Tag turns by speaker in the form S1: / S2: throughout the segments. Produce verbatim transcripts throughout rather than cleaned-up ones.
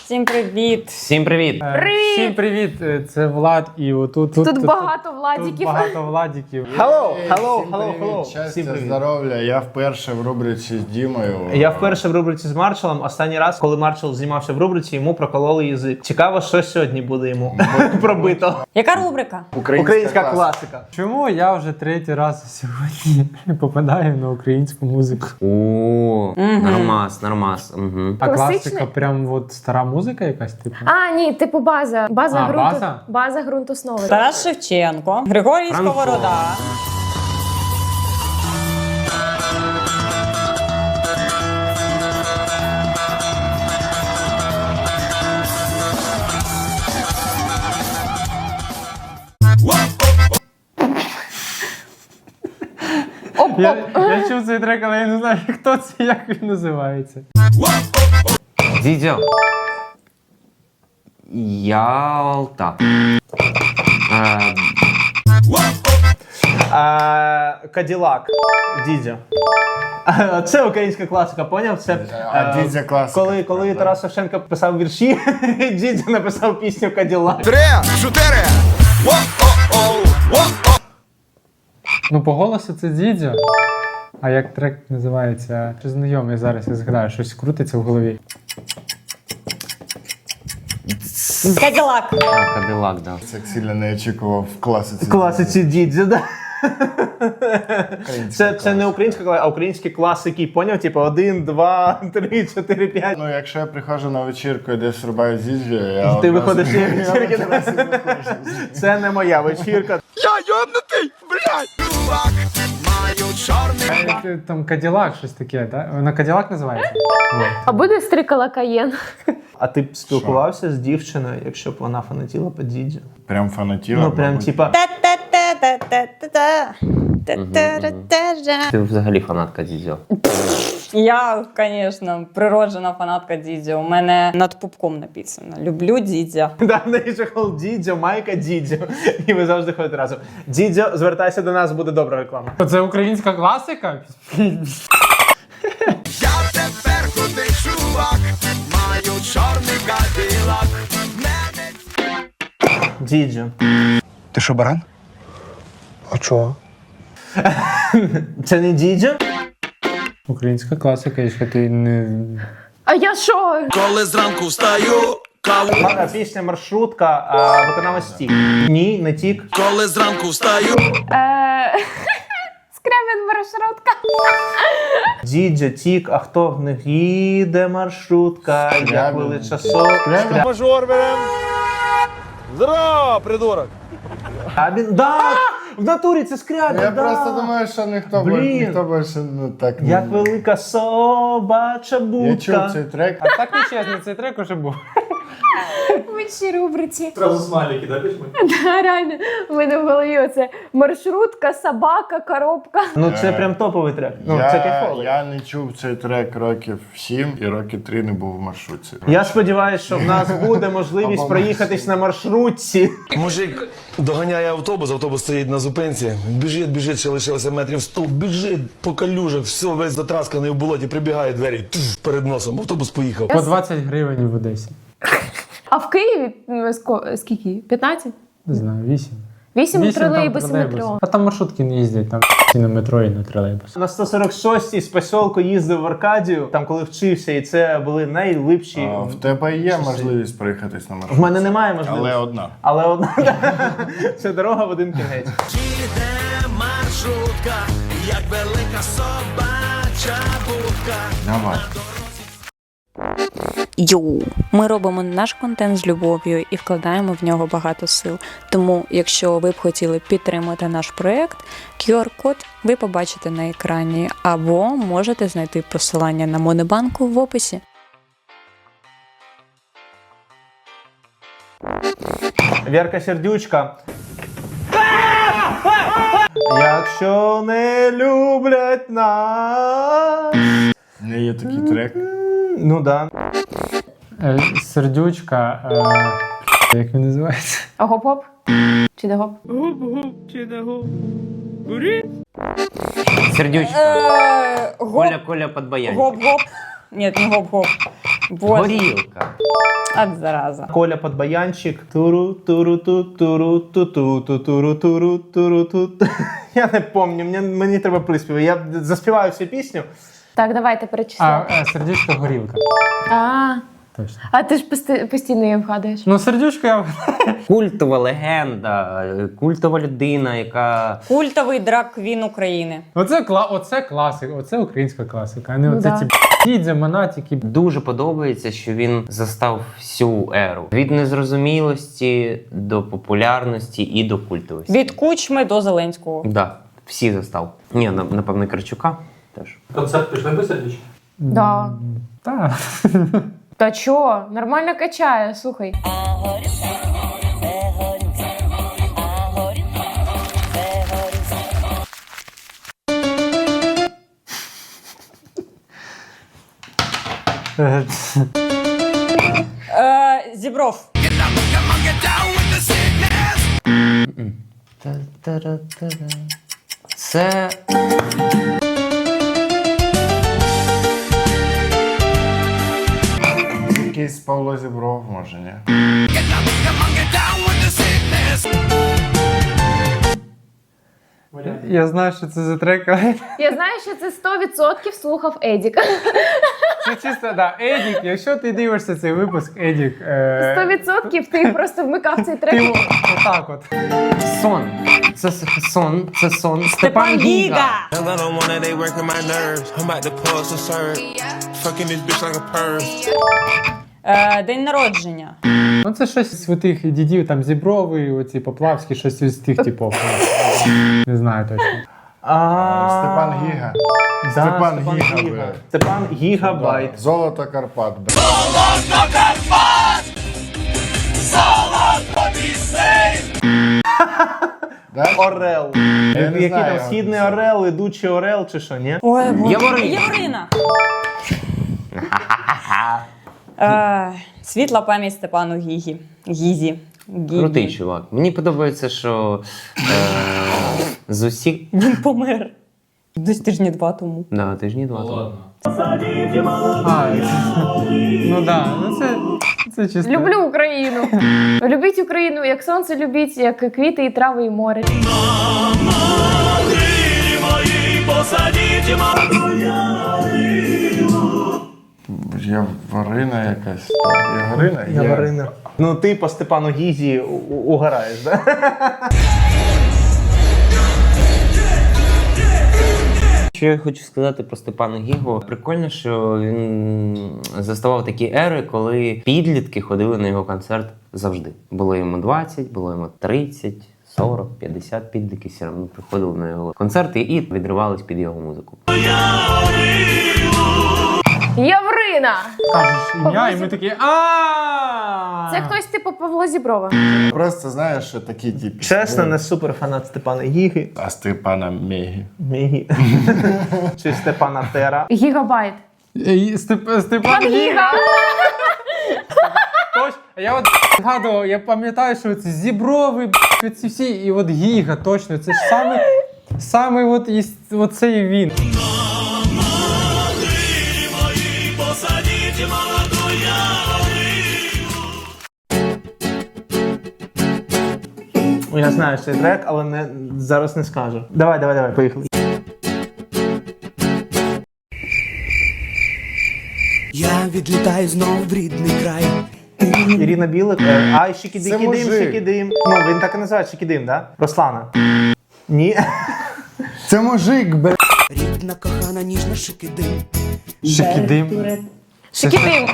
S1: Всім привіт!
S2: Всім привіт!
S3: Привіт! Всім привіт! Це Влад і отут...
S1: Тут,
S3: тут,
S1: тут багато Владіків.
S3: Тут багато Владіків.
S2: Hello,
S4: Hey,
S2: hello,
S4: всім
S2: hello,
S4: привіт,
S2: hello.
S4: щастя,
S2: Всім привіт.
S4: здоров'я. Я вперше в рубриці з Дімою.
S2: Я вперше в рубриці з Маршалом. Останній раз, коли Маршал знімався в рубриці, йому прокололи язик. Цікаво, що сьогодні буде йому пробито.
S1: Яка рубрика?
S4: Українська,
S2: Українська
S4: класика.
S2: класика.
S3: Чому я вже третій раз сьогодні попадаю на українську музику?
S5: О, нормас, нормас. Угу.
S3: А
S1: Класичний?
S3: класика прям от стара музика якась, типу?
S6: А, ні, типу база. База,
S3: А,
S6: ґрунту,
S3: база?
S6: база ґрунт основи.
S1: Тарас Шевченко, Григорій
S5: Франко.
S1: Сковорода.
S3: Я, я чув цей трек, але я не знаю, хто це, як він називається.
S5: Дідьо. Ялта. Е,
S2: А, Каділак. Дідзьо. А, Це українська класика, поняв? Це,
S4: А
S2: е,
S4: Дідзя класика.
S2: Коли, коли Тарас Шевченко писав вірші, Дідзьо написав пісню Каділак.
S3: Ну, по голосу це Дідзьо. А як трек називається? Чи знайомий зараз, я згадаю, щось крутиться в голові.
S1: Каділак.
S5: а, Кадилак, да.
S4: Це сильно не очікував в класиці.
S2: В класиці Дідзьо, да.
S4: Українська
S2: Це, це
S4: класика.
S2: не українська класика, а українські класики, поняв? Типу один, два, три, чотири, п'ять.
S4: Ну, якщо я приходжу на вечірку і десь рубаю Дідзю, я
S2: Ти
S4: одразу-
S2: виходиш з
S4: Я
S2: вечірки.
S4: одразу виходжу.
S2: Це не моя вечірка.
S3: Е, Там Каділак, щось таке, так? Вона Каділак називається? Вот.
S6: А буде стрикала Каєн.
S2: А ти б спілкувався з дівчиною, якщо б вона фанатіла по Дідзю?
S4: Прям фанатіла.
S2: Ну, прям,
S4: мабуть.
S2: типа,
S1: Та-та-та-та-та-та. Та-та-та-та-та.
S5: Ти взагалі фанатка Дідьо.
S1: Я, звісно, природжена фанатка Дідзьо. У мене над пупком написано. Люблю Дідзя.
S2: да, в неї же хол Дідзьо, майка Дідзьо. І ви завжди ходите разом. Дідзьо, звертайся до нас, буде добра реклама.
S3: Це українська класика?
S2: Дідзьо.
S7: Ти що, баран? А чого?
S2: Це не Дідзьо?
S3: Українська класика, якщо ти не...
S6: А я що?
S8: Коли зранку встаю, каву.
S2: Ладно, пісня маршрутка, а виконавець Тік. Ні, не Тік.
S8: Коли зранку встаю.
S6: Е... Скрябін маршрутка.
S2: Дідзьо, Тік, а хто в них їде маршрутка, як
S4: Скрябін.
S2: велича со... Скрябін.
S8: Мажор берем. Здорово, придурок.
S2: Скрябін. Да! В натурі це Скрябін,
S4: Я
S2: да!
S4: просто думаю, що ніхто, б-
S2: Блін.
S4: ніхто більше ну, так не...
S2: Як велика собача будка.
S4: Я чув цей трек.
S3: А так нечесно, цей трек уже був.
S6: В іншій рубриці.
S2: Зразу смайлики, да, пішли?
S6: Да, реально. У мене в голові оце маршрутка, собака, коробка.
S2: Ну це прям топовий трек. Ну,
S4: я,
S2: це кайфовий.
S4: я не чув цей трек років сім і роки три не був в маршрутці.
S2: Я сподіваюся, що в нас буде можливість
S4: Або
S2: проїхатись на маршрутці.
S8: Мужик доганяє автобус, автобус стоїть на зупинці. Біжить, біжить, ще лишилося метрів сто. Біжить по калюжах, все весь затрасканий в болоті, прибігає двері туф, перед носом. Автобус поїхав.
S3: По двадцять гривень в Одесі.
S6: А в Києві ну, ско- скільки? п'ятнадцять?
S3: Не знаю, вісім.
S6: Вісім
S3: Вісім там
S6: тролейбусів
S3: тролейбус.
S6: метро.
S3: А там маршрутки не їздять, там і на метро, і на тролейбус.
S2: На сто сорок шостій з посілку їздив в Аркадію, там коли вчився, і це були найлипші.
S4: А, в тебе є
S2: часи.
S4: можливість проїхатись на
S2: В
S4: маршрутці?
S2: мене немає можливості.
S4: Але одна.
S2: Але одна. Це дорога в один кінець.
S8: Їде маршрутка, як велика собача будка.
S4: Давай.
S9: Йоу! Ми робимо наш контент з любов'ю і вкладаємо в нього багато сил. Тому, якщо ви б хотіли підтримати наш проєкт, ку ар-код ви побачите на екрані, або можете знайти посилання на Монобанку в описі.
S2: Вірка Сердючка. Якщо не люблять нас.
S4: У мене є такий трек.
S2: Ну да.
S3: Е, Сердючка, е, як він називається?
S6: Гоп-гоп? Чи не гоп?
S5: Сердючка.
S1: Е, гоп,
S5: Коля, Коля, подбоянь.
S1: гоп-гоп. Ні, не гоп-гоп. Боже.
S5: Горілка.
S1: От зараза.
S2: Коля Подбаянчик. Туру, туру, ту, туру, ту, ту, ту, туру, туру, туру, ту. Я не пам'ятаю, мені, мені треба приспів. Я заспіваю всю пісню.
S6: Так, давайте
S3: А,
S6: перечисляємо.
S3: е, сердючка горілка.
S6: А,
S3: Точно.
S6: а ти ж пости- постійно її вгадуєш.
S3: Ну, сердючка я.
S5: Культова легенда, культова людина, яка
S1: Культовий драг-квін України.
S3: Оце, кла... Оце класика, оце українська класика, а не
S6: Ну
S3: оце
S6: да.
S3: ці дідзя, монатики.
S5: дуже подобається, що він застав всю еру. Від незрозумілості до популярності і до культовості.
S1: Від Кучми до Зеленського.
S5: Да, всі застав. Ні, на- напевно, Карчука теж.
S2: Концерт пішли без сердечки?
S6: Да.
S3: Так.
S6: Та чо? Нормально качає, слухай.
S1: Е, Зібров.
S5: Та-та-ра-та-ра. Це
S4: Якийсь Павло Зібров, може, ні?
S3: Я знаю, що це за трек, але
S6: Я знаю, що це сто відсотків слухав Едік.
S3: це чисто, да, Едік, якщо ти дивишся цей випуск, Едік, е...
S6: сто відсотків ти просто вмикав цей трек.
S3: ти отак от.
S5: сон. Це с- сон, це сон.
S1: Степан Гіга.
S10: I don't wanna, they working my nerves. I'm about to pull some serve. Fucking this bitch like a perm.
S1: Е, День народження.
S3: Ну це щось з тих дідів, там Зібровий, оці Поплавські, щось із тих типів. Не знаю точно.
S2: А,
S4: Степан Гіга.
S2: Да,
S4: Степан
S2: Степан
S4: Гіга,
S2: Гіга.
S4: бля.
S2: Степан Гігабайт.
S4: Золото Карпат, бля. Да?
S2: Орел.
S4: Я не
S2: Який
S4: знаю,
S2: там
S4: як
S2: східний
S4: це.
S2: орел, ідучий орел чи що, ні?
S1: Ой, Боже.
S5: Яворина.
S1: Яворина. Е, Світла пам'ять Степану Гігі. Гізі. Гігі.
S5: Крутий чувак. Мені подобається, що е, з усіх.
S1: Він помер. Десь тижні два тому.
S5: Да, тижні два. тому.
S3: А, ну да, ну це, це чисто.
S6: Люблю Україну. Любіть Україну, як сонце любіть, як квіти і трави і море.
S4: Яворина якась. Яворина? Є.
S2: Яворина. Ну ти по Степану Гізі у- у- угораєш, да?
S5: Що я хочу сказати про Степана Гігу? Прикольно, що він заставав такі ери, коли підлітки ходили на його концерт завжди. Було йому двадцять, було йому тридцять, сорок, п'ятдесят, підлітки все одно приходили на його концерти і відривались під його музику.
S6: Яврина!
S3: Кажеш ім'я, і ми такі а
S6: Це хтось типу Павла Зіброва.
S4: Просто знаєш, що такі типи.
S2: Чесно, не супер фанат Степана Гіги.
S4: А Степана Мегі.
S2: Мігі. Чи Степана Тера.
S6: Гігабайт.
S3: Степ,
S6: Пан
S3: Степан Гіга.
S6: Гіга!
S3: Точно. Я от згадував, я пам'ятаю, що ці Зіброви, ці всі, і от Гіга, точно, це ж саме, саме от, із- от цей він.
S2: Ну, я знаю цей трек, але не, зараз не скажу. Давай, давай, давай, поїхали.
S10: Я відлітаю знов в рідний край.
S2: Ірина Білик. е, Ай,
S4: Це
S2: шикідикідим,
S4: мужик.
S2: шикідим. Ну, він так і називає шикідим, да? Руслана. Ні.
S4: Це мужик, бля.
S10: Рідна кохана ніжна шикидим.
S3: Шикідим.
S6: Шикідим.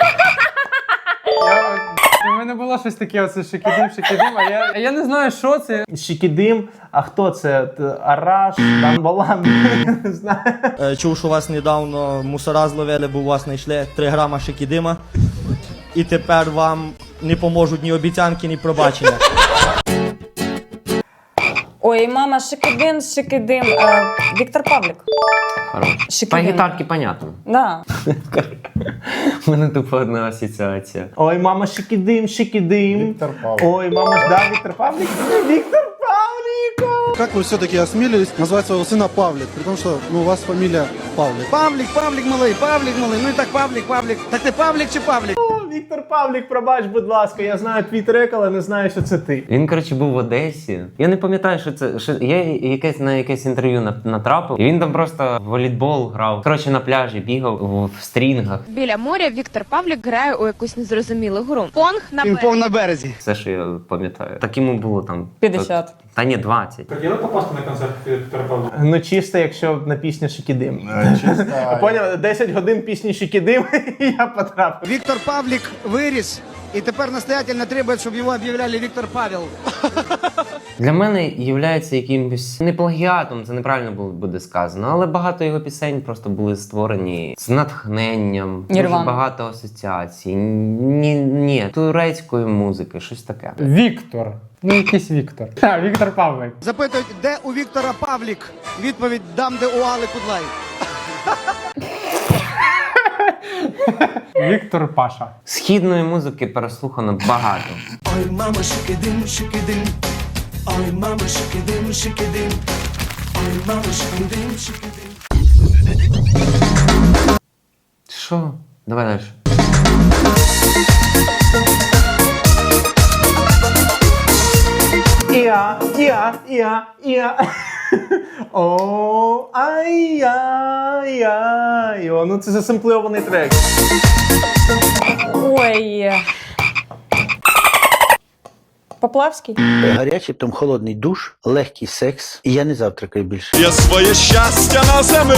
S3: Я, у мене було щось таке, оце шикідим, шикідим, а я, а я не знаю, що це.
S2: Шикідим. А хто це? Т- Араш, Данбалан. Не знаю.
S11: Е, Чув, що вас недавно мусора зловили, бо у вас знайшли три грама шикідима. І тепер вам не поможуть ні обіцянки, ні пробачення.
S1: Ой, мама, шикидин, шикидин. Е, Віктор Павлік.
S5: Хорош. По
S1: Шикидим.
S5: гітарки понятно.
S1: Да.
S5: У мене тупо одна асоціація.
S2: Ой, мама, шикідим, шикідим.
S4: Віктор Павлік.
S2: Ой, мама ж, да, Віктор Павлік? Віктор Павлік!
S7: Как вы все-таки осмелились назвать своего сына Павлик, при том, что ну, у вас фамилия Павлик?
S11: Павлік, Павлік, малий, Павлік, малий, ну і так Павлік, Павлік. Так ти Павлік чи Павлік?
S2: Віктор Павлік, пробач, будь ласка, я знаю твій трек, але не знаю, що це ти.
S5: Він, коротше, був в Одесі. Я не пам'ятаю, що це. Що... Я якесь на якесь інтерв'ю на- натрапив. І він там просто в волейбол грав. Коротше, на пляжі бігав в, в стрінгах.
S12: Біля моря Віктор Павлік грає у якусь незрозумілу гру. Понг на
S7: Пінг-понг на березі.
S5: Все, що я пам'ятаю. Так йому було там.
S1: п'ятдесят.
S5: Та ні, двадцять.
S3: Хотіли попасти на концерт Віктора Павліка?
S2: Ну чисто, якщо на пісні Шикідим.
S4: Е, чисто,
S2: Поняв, десять годин пісні Шикідим, і я потрапив.
S7: Віктор Павлік виріс, і тепер настоятельно требує, щоб його об'являли Віктор Павел.
S5: Для мене є якимось не плагіатом, це неправильно було- буде сказано, але багато його пісень просто були створені з натхненням, дуже
S1: Нірвана.
S5: багато асоціацій. Ні, ні, турецької музики, щось таке.
S3: Віктор. Ну, якийсь Віктор. А, Віктор Павлик.
S7: Запитують, де у Віктора Павлік? Відповідь дам, де у Али Кудлай.
S3: Віктор Паша.
S5: Східної музики переслухано багато.
S7: Ой, мама, шикидим, шикидим. Ой, мама, шикидим, шикидим. Ой, мама, шикидим, шикидим.
S5: Що? Давай далі.
S2: Іа, іа, іа, іа. О, ай, ай, ай. О, ну це засемпльований трек.
S1: Ой. Поплавський?
S7: Гарячий, потім холодний душ, легкий секс, і я не завтракаю більше.
S10: Я своє щастя на землі.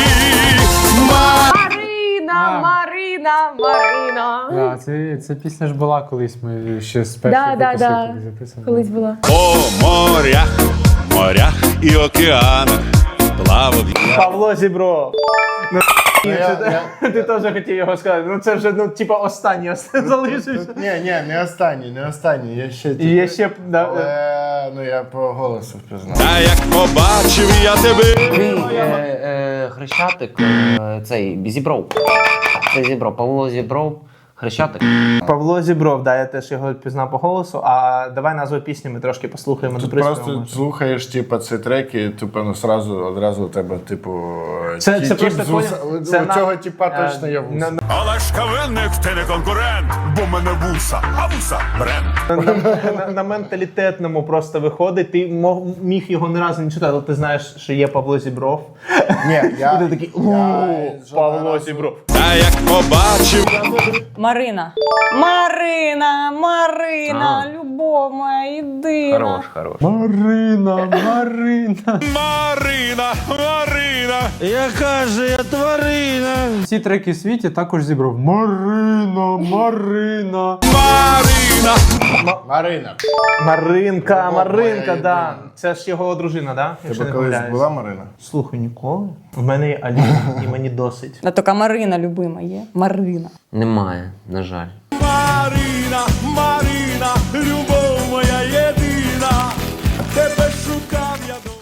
S6: Марина,
S3: А.
S6: Марина, Марина.
S3: Да, це, це пісня ж була колись, ми ще з першої
S6: Да, да,
S3: випуску
S6: да.
S3: коли записували.
S6: Колись була.
S10: По морях, морях і океанах плавав я.
S2: Павло Зібров. Ну,
S4: Ну, я-
S2: це- ти теж хотів його сказати. Ну це вже, ну, типа, останній останній залишився.
S4: Ні, ні, не останній, не останній. Я ще
S2: І є ще, да,
S4: Але ну я по голосу впізнав.
S10: Та як побачив я тебе.
S5: Ти, е, е, Хрещатик, е, цей Зібров. Це Зібров, Павло Зібров, Хрещатик.
S2: Павло Зібров, да, я теж його пізнав по голосу. А давай назву пісні ми трошки послухаємо.
S4: Тут
S2: доприспіваємо.
S4: просто слухаєш, типу, ці треки, типу, ну сразу одразу у тебе, типу,
S2: Це-
S4: ті-
S2: це
S4: тіп
S2: просто
S4: з вуса-
S2: поняв?
S4: у-
S2: Це
S4: у
S2: на-
S4: цього типа
S2: е,
S4: точно є
S2: на-
S4: вуса.
S10: Але ж кавинник, ти не конкурент, бо мене вуса, а вуса бренд.
S2: на, на, на менталітетному просто виходить. Ти мог, міг його не разу не читати, але ти знаєш, що є Павло Зібров.
S4: Ні, я,
S2: І ти такий,
S4: я
S2: «О,
S4: жодного
S2: Павло
S4: разу-
S2: Зібров.
S10: Та як побачив.
S1: Марина. Марина, Марина,
S5: А.
S1: любов моя єдина.
S5: Хорош, хорош.
S3: Марина, Марина.
S10: Марина, Марина.
S11: Яка же я тварина?
S3: Всі треки в світі також зібрав. Марина, Марина.
S10: Марина.
S4: Марина.
S2: Маринка,
S4: Любов
S2: Маринка,
S4: моя
S2: да.
S4: єдина.
S2: Це ж його дружина, да? Якщо
S4: Тебе
S2: не
S4: колись
S2: помиляюсь.
S4: була Марина?
S2: Слухай, ніколи. В мене є Аліна, і мені досить.
S1: А така Марина любима є. Марина.
S5: Немає, на жаль.
S10: Марина, Марина, любов моя єдина. Тебе шукав я до.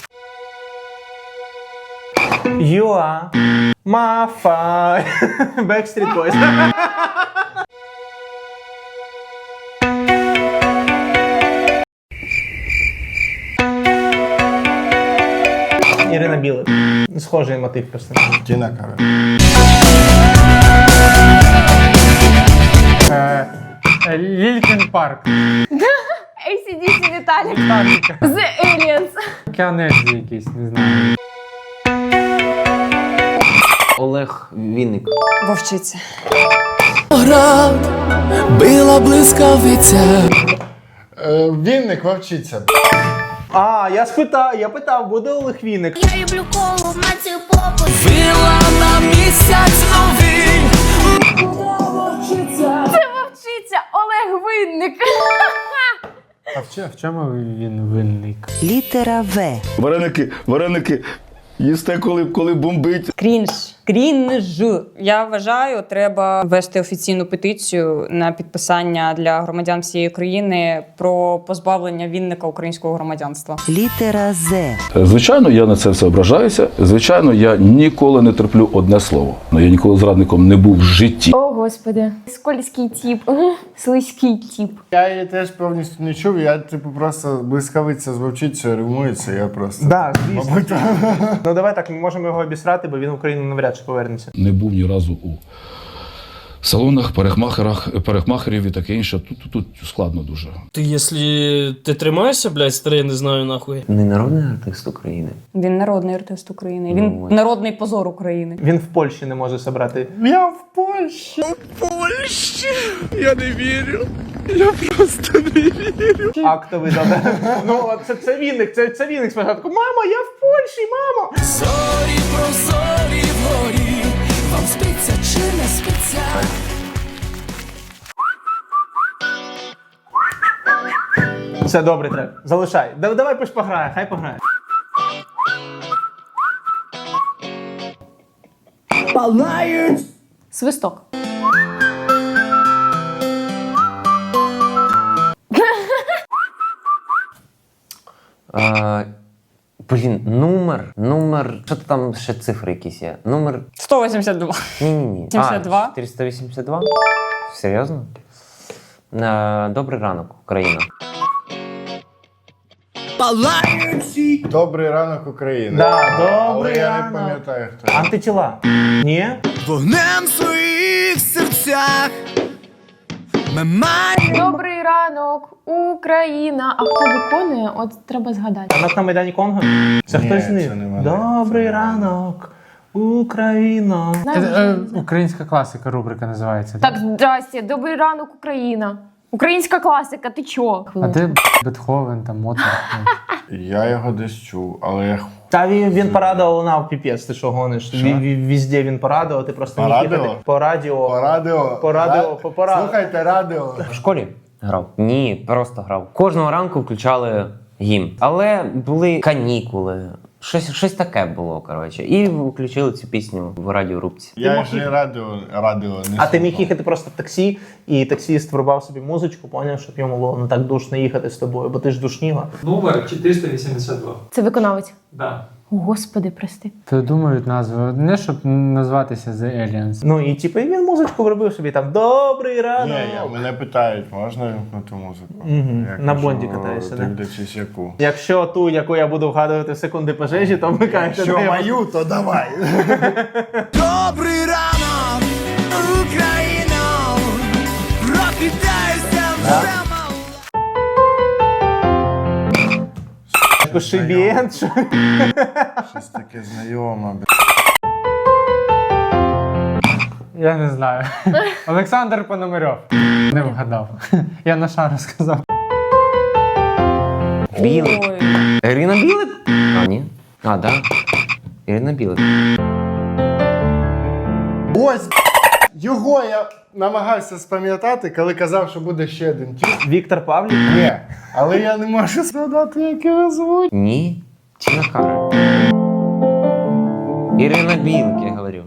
S2: You are my fire. Backstreet Boys. Ірина Білик. Схожий мотив персонажа.
S4: Тіна Кароль.
S3: Е, е, Лількін Парк.
S6: ей сі ді сі Віталік. The Aliens.
S3: Кіанезі якийсь, не знаю.
S5: Олег Вінник.
S1: Вовчиця.
S7: Била блискавиця.
S4: Е, Вінник вовчиться.
S2: А, я спитав, я питав, буде Олег Вінник.
S12: Я люблю колу, мацію попу.
S7: Вила на місяць новий.
S6: Це вовчиця Олег Винник.
S3: А в чому, в чому він винник?
S9: Літера В.
S8: Вареники, вареники, їсте, коли, коли бомбить.
S1: Крінж. Крінж. Я вважаю, треба ввести офіційну петицію на підписання для громадян всієї країни про позбавлення Вінника українського громадянства.
S9: Літера З.
S8: Звичайно, я на це все ображаюся. Звичайно, я ніколи не терплю одне слово. Но я ніколи зрадником не був в житті.
S6: О, господи. Скользький тип. Слизький тип.
S4: Я її теж повністю не чув, я типу просто блискавиця з вовчицею римується, я просто.
S2: Да, звісно.
S4: Мабуть,
S2: Ну давай так, ми можемо його обісрати, бо він в Україну навряд чи повернеться.
S8: Не був ні разу у
S13: салонах, парикмахерах, парикмахерів і таке інше. Тут, тут, тут складно дуже.
S14: Ти, якщо ти тримаєшся, блядь, старий, я не знаю нахуй.
S5: Не народний артист України.
S1: Він народний артист України. Він
S5: Ну, ось.
S1: народний позор України.
S2: Він в Польщі не може зібрати.
S4: Я в Польщі.
S10: В Польщі? Я не вірю. Я просто не вірю.
S2: Актовий добре. Ну, от це, це Вінник, це, це Вінник спочатку. Мама, я в Польщі, мамо!
S7: Зорі про зорі вгорі, вам спиться чи не спиться?
S2: Це добрий трек. Залишай. Да- Давай пусть пограє, хай пограє.
S6: Свисток.
S5: А, блін, номер, номер, що там ще цифри якісь є? Номер,
S1: сто вісімдесят два.
S5: ні-ні-ні.
S1: сімдесят два?
S5: А, чотириста вісімдесят два? Серйозно? А, добрий ранок, Україна.
S4: Добрий ранок, Україна.
S2: Да,
S4: Але
S2: добрий
S4: я не
S2: ранок.
S4: пам'ятаю, хто.
S2: Антитіла. Ні?
S7: Вогнем в своїх серцях ми маємо.
S6: Добрий ранок, Україна. А хто виконує? От треба згадати.
S2: Ранок на Майдані Конго? Це
S4: Ні,
S2: хтось з них.
S4: це не вони.
S2: Добрий
S4: Це не вони.
S2: ранок, Україна.
S6: Знаєш,
S3: Е, е, Українська класика рубрика називається.
S6: Так, здрасте, добрий ранок, Україна. Українська класика, ти чо?
S3: А де б, Бетховен, там Моцарт? Ну.
S4: Я його десь чув, але я
S2: Та він, він по радіо лунав, піпець, ти що гониш?
S4: Що?
S2: Ві- ві- Везде він по радіо, ти просто
S4: По
S2: міг
S4: радіо?
S2: їхати по радіо.
S4: по радіо.
S2: По радіо,
S4: Ра-
S2: по- по радіо.
S4: Слухайте радіо.
S5: В школі грав? Ні, просто грав. Кожного ранку включали гімн. Але були канікули. Щось, щось таке було, коротше. І включили цю пісню в радіорубці.
S4: Я
S2: мог
S4: вже
S2: їхати.
S4: радіо, радіо не
S2: А ти міг
S4: слухав.
S2: їхати просто в таксі, і таксіст врубав собі музичку, поняв, щоб йому було не так душно їхати з тобою, бо ти ж душніла.
S3: Номер чотириста вісімдесят два.
S6: Це виконавець.
S3: Да.
S6: Господи, прости.
S3: Придумують назву, не щоб назватися The Aliens.
S2: Ну і типу, і він музичку вробив собі там добрий ранок.
S4: Ні, я, мене питають, можна вимкнути музику?
S2: Мгм.
S4: Я
S2: На
S4: кажу,
S2: Бонді катаєшся, да?
S4: дивлячись яку.
S2: Якщо ту, яку я буду вгадувати в секунди пожежі, то вмикаєте.
S4: Що мою, то давай.
S7: Добрий ранок, Україно, прокидайся вже мало.
S2: Кошибієнт, що?
S4: Щось таке знайоме. б***.
S3: Я не знаю. Олександр Пономарьов. Не вгадав. Я на шару сказав.
S5: Білик.
S1: Ой.
S5: Ірина Білик? А, ні. А, да. Ірина Білик.
S4: Ось його я намагався спам'ятати, коли казав, що буде ще один тіп.
S2: Віктор Павлік?
S4: Ні, але я не можу згадати, як його звуть.
S5: Ні. Тіна Кароль. Ірина Білик, я говорю.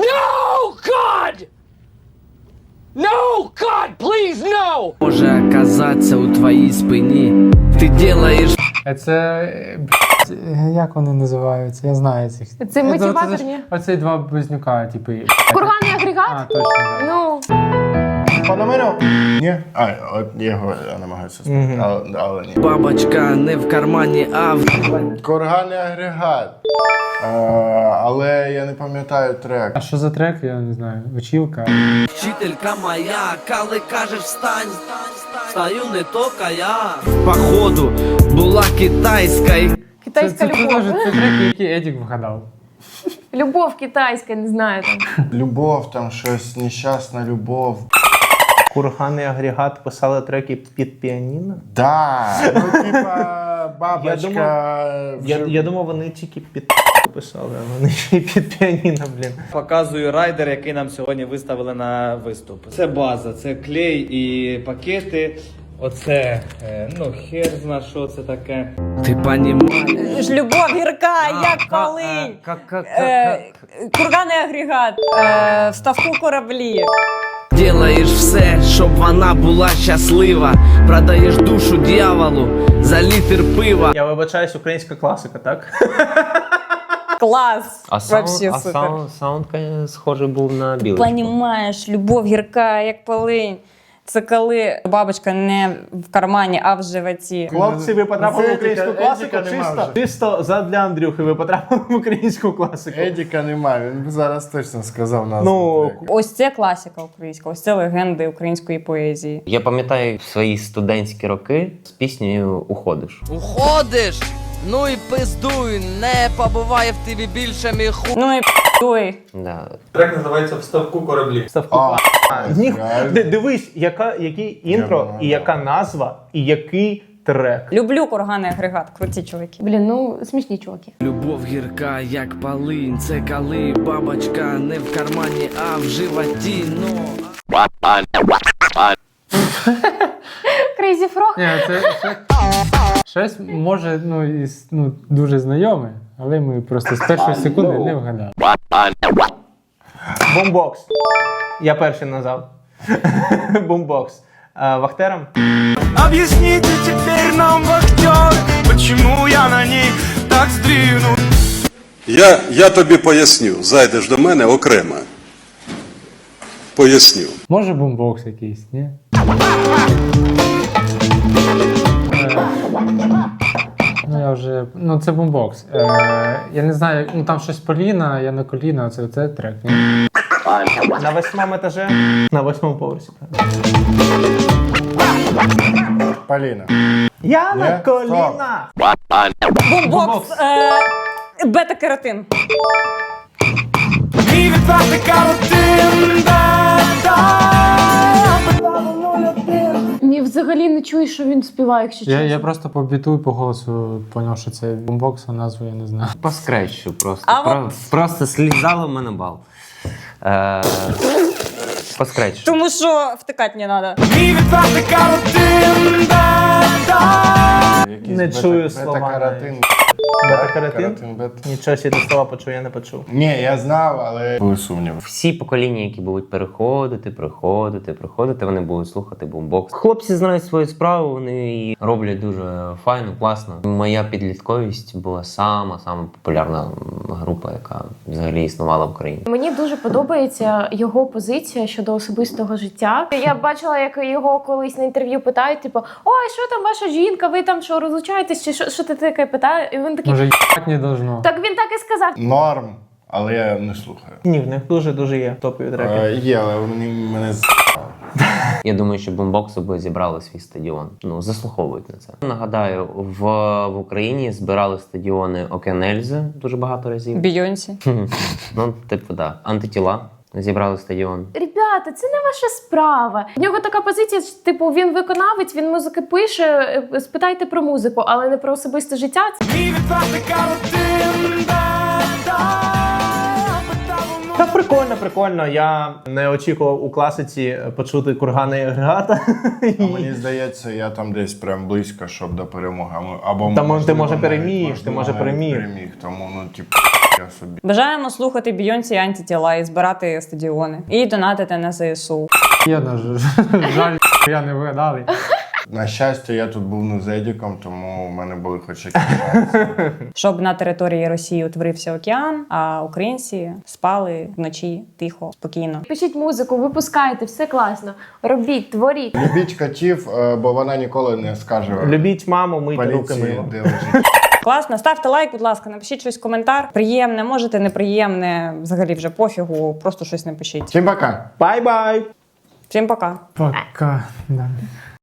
S7: Може оказатися у твоїй спині. Ти делаєш.
S3: Е, Це. е, б***ь, як вони називаються? Я знаю цих.
S6: Це
S3: Ну,
S6: мотиваторні.
S3: ж Оцей два близнюка, типу. і-
S6: Курганний
S3: А,
S6: агрегат?
S3: точно, так.
S6: Ну,
S2: Пономарьов?
S4: Ні? А, от його я намагаюся спам'ятати, але, але ні.
S7: Бабочка не в кармані, а в...
S4: Курганний агрегат. Е, але я не пам'ятаю трек.
S3: А що за трек, я не знаю. Училка.
S7: Вчителька моя, коли кажеш встань, стаю не тільки я. Походу, була китайська. і-
S3: Це,
S6: китайська
S3: це, це,
S6: любов.
S3: теж це треки, які Едік вгадав.
S6: Любов китайська, не знаю там.
S4: Любов, там щось, нещасна любов.
S2: Курганний агрегат писали треки під піаніно?
S4: Да, ну типа бабочка.
S2: Я думав, Я,
S4: вже-
S2: я думав, вони тільки під писали, а вони ще й під піаніно, блін.
S11: Показую райдер, який нам сьогодні виставили на виступ. Це база, це клей і пакети. Оце, е, ну, хер зна, що це таке.
S7: Ти понімаєш.
S1: Ж любов гірка, як коли. Е, Курганний агрегат. Е, В ставку кораблі.
S7: Делаєш все, щоб вона була щаслива. Продаєш душу дьяволу за літр пива.
S2: Я вибачаюсь, українська класика, так?
S1: Клас.
S5: А саунд,
S1: Вообще
S5: а
S1: супер.
S5: саунд, саунд, конечно, схожий був на Білочку.
S1: Понімаєш, любов гірка, як полинь. Це коли бабочка не в кармані, а в животі.
S2: Хлопці, ви потрапили в
S4: Це
S2: українську
S4: Едіка-
S2: класику
S4: Едіка нема
S2: чисто,
S4: вже.
S2: чисто задля Андрюхи. Ви потрапили в українську класику.
S4: Едіка немає, він би зараз точно сказав назву.
S2: Ну,
S4: треку.
S1: Ось це класика українська, ось це легенди української поезії.
S5: Я пам'ятаю свої студентські роки з піснею «Уходиш».
S15: Уходиш? Ну і пиздуй, не побуває в тобі більше мій ху...
S1: Ну і п***й.
S5: Да.
S3: Трек називається «В ставку кораблі».
S2: Ставку.
S4: А,
S2: А, ніх-
S4: реально?
S2: Ди- Дивись, яка, який інтро,
S4: Я
S2: і яка назва, і який трек.
S1: Люблю курганий агрегат, круті чуваки.
S6: Блін, ну смішні чуваки.
S15: Любов гірка, як полинь, це коли бабочка не в кармані, а в животі, ну...
S6: Крейзі Фрог.
S3: Ні, це, це щось може ну, із, ну, дуже знайоме, але ми просто з першої секунди не вгадали.
S2: Бомбокс. Я перший назвав. Бомбокс. А, Вахтером?
S7: Объясните теперь нам, вахтер, почему я на ней так сдвинут.
S16: Я, я тобі поясню, зайдеш до мене окремо. Поясню.
S3: Може бомбокс якийсь, ні? Е, Ну я вже. Ну це бомбокс. Е, я не знаю, ну там щось Поліна, я на коліна, це, це трек, ні?
S2: На восьмому етажі? На восьмому поверсі.
S4: Поліна.
S2: Я на
S4: Є?
S2: колінах!
S1: Бомбокс, е, бета-кератин.
S7: Мій відвертий каротин,
S6: Ні, взагалі не чую, що він співає, якщо
S3: Я,
S6: чесно.
S3: я просто по біту і по голосу зрозумів, що це бомбокс, а назву я не знаю.
S5: По скретчу просто.
S1: А
S5: Про,
S1: от-
S5: Просто слізало в мене бал. Е, по скретчу.
S1: Тому що втикати не треба.
S7: Мій відвертий каротин,
S2: Не чую слова.
S4: Бета-каротин.
S2: Бета-каротин?
S4: Каротин, бета.
S2: Нічого себе, ти слова почув, я не почув.
S4: Ні, я знав, але були сумніви.
S5: Всі покоління, які будуть переходити, приходити, приходити, вони будуть слухати бомбокс. Хлопці знають свою справу, вони її роблять дуже файно, класно. Моя підлітковість була сама сама популярна група, яка взагалі існувала в Україні.
S6: Мені дуже подобається його позиція щодо особистого життя. Я бачила, як його колись на інтерв'ю питають, типу, ой, що там ваша жінка, ви там що, розлучаєтесь, чи що, що ти таке питає? І він такий,
S3: Може, їбать не должно.
S6: так він так і сказав.
S4: Норм, але я не слухаю.
S2: Ні, в них дуже-дуже є топові треки.
S4: Е, є, але вони мене з...
S5: Я думаю, що бомбокси би зібрали свій стадіон. Ну, заслуховують на це. Нагадаю, в, в Україні збирали стадіони Окен Ельзи дуже багато разів.
S1: Бійонсі.
S5: Ну, типу, да. Антитіла зібрали стадіон.
S6: Ребята, це не ваша справа. В нього така позиція, що, типу, він виконавець, він музики пише, е, спитайте про музику, але не про особисте життя.
S7: мій відвертий каротин,
S2: Та прикольно, прикольно. Я не очікував у класиці почути курганий агрегата.
S4: А мені здається, я там десь прям близько, щоб до перемоги. А ми- Або,
S2: Та, може, ти,
S4: можливо,
S2: може,
S4: навіть-
S2: переміг, ти,
S4: можливо,
S2: може,
S4: навіть
S2: переміг.
S4: переміг. Тому, ну, типу, я собі.
S1: Бажаємо слухати Бійонсі і антитіла і збирати стадіони. І донатити на ЗСУ.
S3: Я на ж- жаль, я не вгадали.
S4: На щастя, я тут був не з Едіком, тому в мене були хоч якісь шанси.
S1: Щоб на території Росії утворився океан, а українці спали вночі тихо, спокійно.
S6: Пишіть музику, випускайте, все класно. Робіть, творіть.
S4: Любіть котів, е, бо вона ніколи не скаже
S2: Любіть маму, мийте руки
S4: поліції,
S2: мило.
S4: де лежить.
S1: Класно, ставте лайк, будь ласка, напишіть щось в коментар. Приємне, можете неприємне, взагалі вже пофігу, просто щось напишіть.
S4: Всім пока!
S2: Бай-бай!
S1: Всім пока.
S3: Пока. Да.